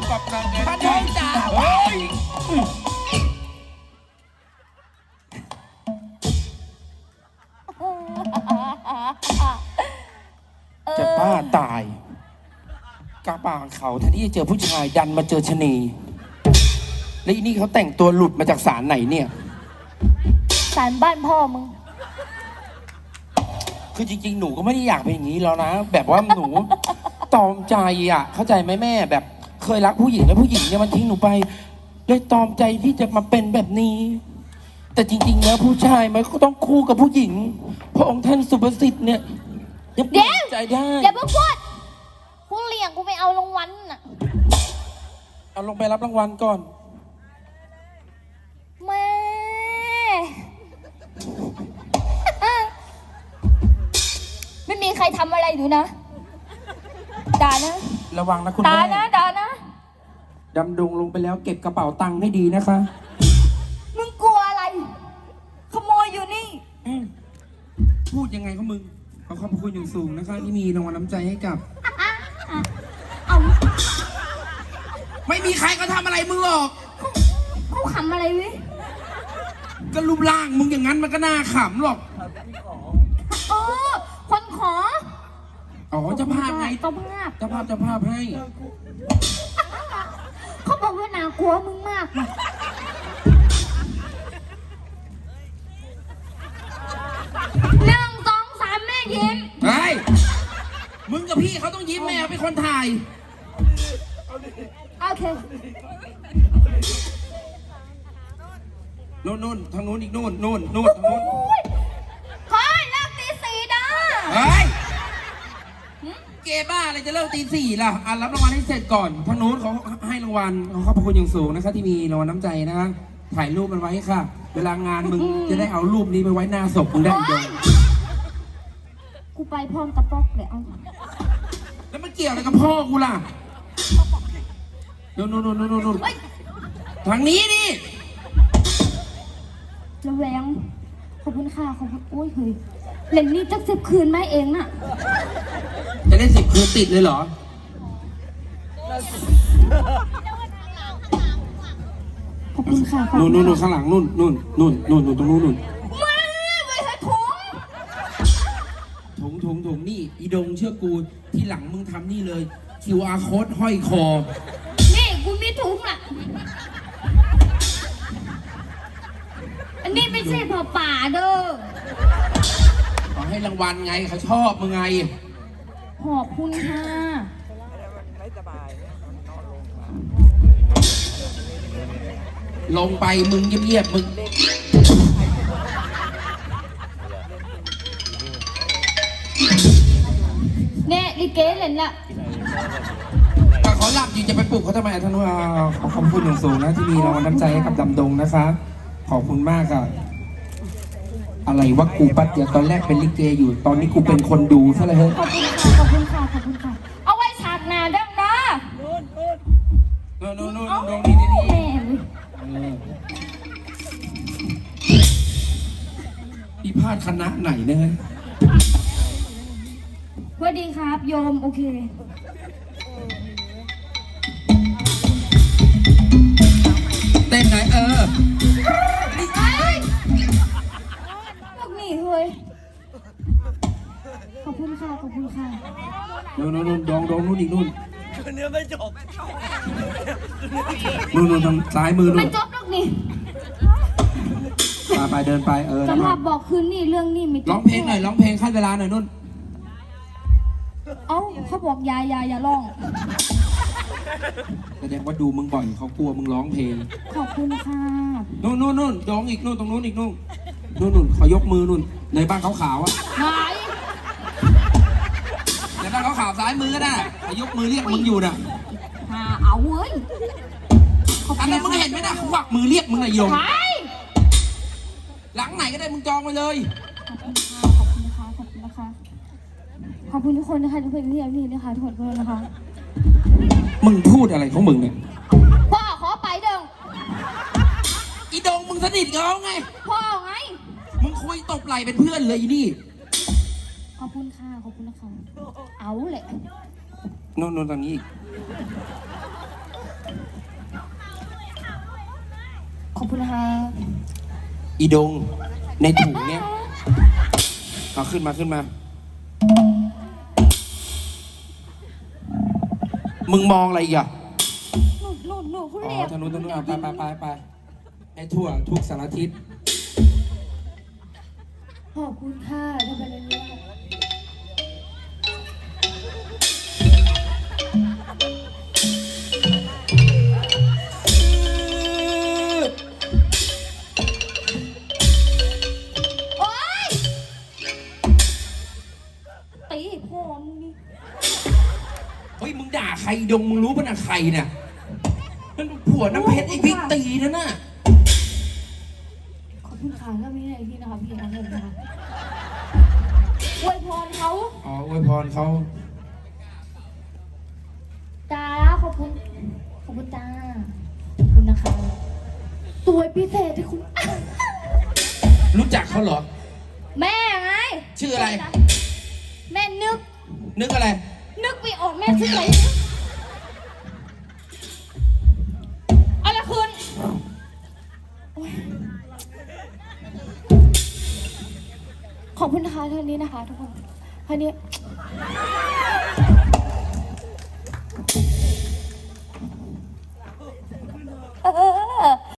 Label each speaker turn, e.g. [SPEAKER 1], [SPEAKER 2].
[SPEAKER 1] กับนางแอน
[SPEAKER 2] พระน้องจ๋า
[SPEAKER 1] เฮ้ยจะบ้าตายกาบางเขาแทนที่จะเจอผู้ชายดันมาเจอชะนีแล้วอีนี่เขาแต่งตัวหลุดมาจากศาลไหนเนี่ย
[SPEAKER 3] ศาลบ้านพ่อมึง
[SPEAKER 1] คือจริงๆ หนูก็ไม่ได้อยากเป็นอย่างนี้แล้วนะ แบบว่าหนู ตอมใจอ่ะ เข้าใจไหมแม่แบบเคยรักผู้หญิงแล้วผู้หญิงเนี่ยมันทิ้งหนูไปเลยตอมใจที่จะมาเป็นแบบนี้ แต่จริงๆแล้วผู้ชายมันก็ต้องคู่กับผู้หญิงพระองค์ท่านสุภสิทธิ์เนี่ยยังเปลี่ยนใจได้
[SPEAKER 3] อย่าเพิ่งพูดกูเลี้ยงกูไม่เอารางวัลน่ะ
[SPEAKER 1] เอาลงไปรับรางวัลก่อน
[SPEAKER 3] แม่ ไม่มีใครทำอะไรดูนะด่านะ
[SPEAKER 1] ระวังนะคุณ
[SPEAKER 3] ด่า
[SPEAKER 1] แม่
[SPEAKER 3] นะด่านะ
[SPEAKER 1] ดำดงลงไปแล้วเก็บกระเป๋าตังค์ให้ดีนะคะ
[SPEAKER 3] มึงกลัวอะไร ขโมยอยู่นี่
[SPEAKER 1] พูดยังไงก็มึงขอขอบคุณอย่างสูงนะคะที่มีรางวัลน้ำใจให้กับ
[SPEAKER 3] เอา
[SPEAKER 1] ไม่มีใครก็ทำอะไรมึงหรอก
[SPEAKER 3] เขาขำอะไรเว้ย
[SPEAKER 1] ก็รูปร่างมึงอย่างนั้นมันก็น่าขำหรอก
[SPEAKER 3] เออคนขอ
[SPEAKER 1] อ๋อเจ้าภาพไง
[SPEAKER 3] เจ้าภาพ
[SPEAKER 1] เจ้าภาพให้
[SPEAKER 3] เขาบอกว่าน่ากลัวมึงมากว่ะ1 2 3แม่ยิ้ม
[SPEAKER 1] เฮ้ย มึงกับพี่เขาต้องยิ้มแม่เขาเป็นคนถ่าย
[SPEAKER 3] โอเค
[SPEAKER 1] นู่นทางนู้นอีกนู่นทางนู้น
[SPEAKER 3] ขอให้เลิกตี 4ด้า
[SPEAKER 1] เฮ้ย เกบ้าอะไรจะเลิกตี 4ล่ะอ่ะรับรางวัลให้เสร็จก่อน ทางนู้นเขาให้รางวัลเขาขอบคุณอย่างสูงนะคะที่มีรางวัลน้ำใจนะคะ ถ่ายรูปมันไว้ค่ะ เวลางานมึงจะได้เอารูปนี้ไปไว้หน้าศพมึงได้อีกเดียว
[SPEAKER 3] กูไปพร้อมกระป๊อกเลยเอา
[SPEAKER 1] แล้วมันเกี่ยวอะไรกับพ่อกูล่ะนู่นทางนี้นี่
[SPEAKER 3] ระแวงขอบคุณค่ะขอบคุณโอ้ยเฮ้ยเล่นนี่จัก10 คืนไหมเองน่ะ
[SPEAKER 1] จะได้10 คืนติดเลยเหรอ
[SPEAKER 3] ขอบคุณค่ะขอบ
[SPEAKER 1] นู่
[SPEAKER 3] คุณ
[SPEAKER 1] นข้างหลังนู่นตรงนู้น
[SPEAKER 3] มาไว้ให้ถุง
[SPEAKER 1] ถุงนี่อีดงเชื่อกูที่หลังมึงทำนี่เลย QR code ห้อยคอ
[SPEAKER 3] นี่กูมีถุงอ่ะอันนี้ไม่ใช่ผ้าป่าเด้อ
[SPEAKER 1] ขอให้รางวัลไงเขาชอบมึงไง
[SPEAKER 3] ขอบคุณค่ะ
[SPEAKER 1] ลงไปมึงเงียบๆมึง
[SPEAKER 3] เนี่ยลิเกเล่นละ
[SPEAKER 1] ก็เขาหลับอยู่จะไปปลุกเขาทำไมท่านว่าขอบคุณอย่างสูงนะที่มีรางวัลน้ำใจให้กับดำดงนะคะขอบคุณมากค่ะอะไรวะกูปัดเดียวตอนแรกเป็นลิเกอยู่ตอนนี้กูเป็นคนดูซะเลยเฮ้ย
[SPEAKER 3] ขอบคุณค่ะขอบคุณค่ะขอบคุณค่ะเอาไว้ฉากหน้าดังนะ
[SPEAKER 1] นู่นนี่
[SPEAKER 3] แม่เว้ย
[SPEAKER 1] พี่พลาดคณะไหนเนี่ยฮะ
[SPEAKER 3] สวัสดีครับโยมโอเค
[SPEAKER 1] เต้นไหน
[SPEAKER 3] พวกนี้เฮ้ยขอบคุณค่ะขอบคุณค่ะ
[SPEAKER 1] นู่นดองนู่นอีกนู่น
[SPEAKER 2] เนื้อไม่จบ
[SPEAKER 1] นู่นทางซ้ายมือนู่
[SPEAKER 3] ไม่
[SPEAKER 1] น
[SPEAKER 3] จบหรอกนี่
[SPEAKER 1] ไปเดินไป
[SPEAKER 3] สำห
[SPEAKER 1] แล้วมา
[SPEAKER 3] รับบอกคืนนี่เรื่องนี้ไม่จบ
[SPEAKER 1] ร้องเพลงหน่อยร้องเพลงขั้นเวลาหน่อยนู่น
[SPEAKER 3] เอ้าเขาบอกอย่าร้อง
[SPEAKER 1] แสดงว่าดูมึงบ่อยเขากลัวมึงร้องเพลง
[SPEAKER 3] ขอบคุณค่ะ
[SPEAKER 1] นู่นดองอีกนู่นตรงนู้นอีกนู่นขอยกมือนู่นในบ้านขาวๆอ่ะ
[SPEAKER 3] ไหน
[SPEAKER 1] ในบ้านขาวๆซ้ายมือก็ได้ขอยกมือเรียกมึงอยู่น่ะ
[SPEAKER 3] เอาเว้ย
[SPEAKER 1] อันนั้นมึงเห็นไหมนะเขาวักมือเรียกมึงไอ้ยง
[SPEAKER 3] ไหน
[SPEAKER 1] หลังไหนก็ได้มึงจองไปเลย
[SPEAKER 3] ขอบคุณค่ะขอบคุณนะคะขอบคุณทุกคนนะคะทุกคนที่นี่นะคะทุกคนนะคะ
[SPEAKER 1] มึงพูดอะไรของมึงเนี่ย
[SPEAKER 3] พ่อขอไปเด้ง
[SPEAKER 1] อีดงมึงสนิทกับเขาไง
[SPEAKER 3] พ่อไง
[SPEAKER 1] มึงคุยตบไหล่เป็นเพื่อนเลยอีนี่
[SPEAKER 3] ขอบคุณค่ะขอบคุณนะคะเอาเลย
[SPEAKER 1] นู่นตรงนี้อีก
[SPEAKER 3] ขอบคุณนะคะ
[SPEAKER 1] อีดงในถุงเนี้ยเอาขึ้นมา มึงมองอะไรอีกอ่ะ
[SPEAKER 3] หนูคุณ
[SPEAKER 1] อ๋อ
[SPEAKER 3] เรียก
[SPEAKER 1] ทางนู้นเอาไปให้ทั่วทุกสารทิศ
[SPEAKER 3] ขอบคุณค่ะทำไมเลยเนี่ยโอ๊ยตีพ่อมึงนี่
[SPEAKER 1] เฮ้ยมึงด่าใครดงมึงรู้ป่ะนะใครเนี่ยนั่นผัวน้ำเพชรไอ้พี่ตีนั่นน่ะ
[SPEAKER 3] ขอบคุณค่ะถ้าไม่ให้พี่นะคะพี่นะเห็นนะคะอวยพรเขา
[SPEAKER 1] อ๋ออวยพรเขา
[SPEAKER 3] จ้าขอบคุณจ้าขอบคุณนะคะตัวพิเศษที่คุณ
[SPEAKER 1] รู้จักเขาเหรอ
[SPEAKER 3] แม่ไง
[SPEAKER 1] ชื่ออะไร
[SPEAKER 3] แม่นึก
[SPEAKER 1] นึกอะไร
[SPEAKER 3] นึกไม่ออกแม่ชื่ออะไรอะไรคุณโอ๊ยขอบคุณนะคะท่านนี้นะคะทุกคนท่านนี้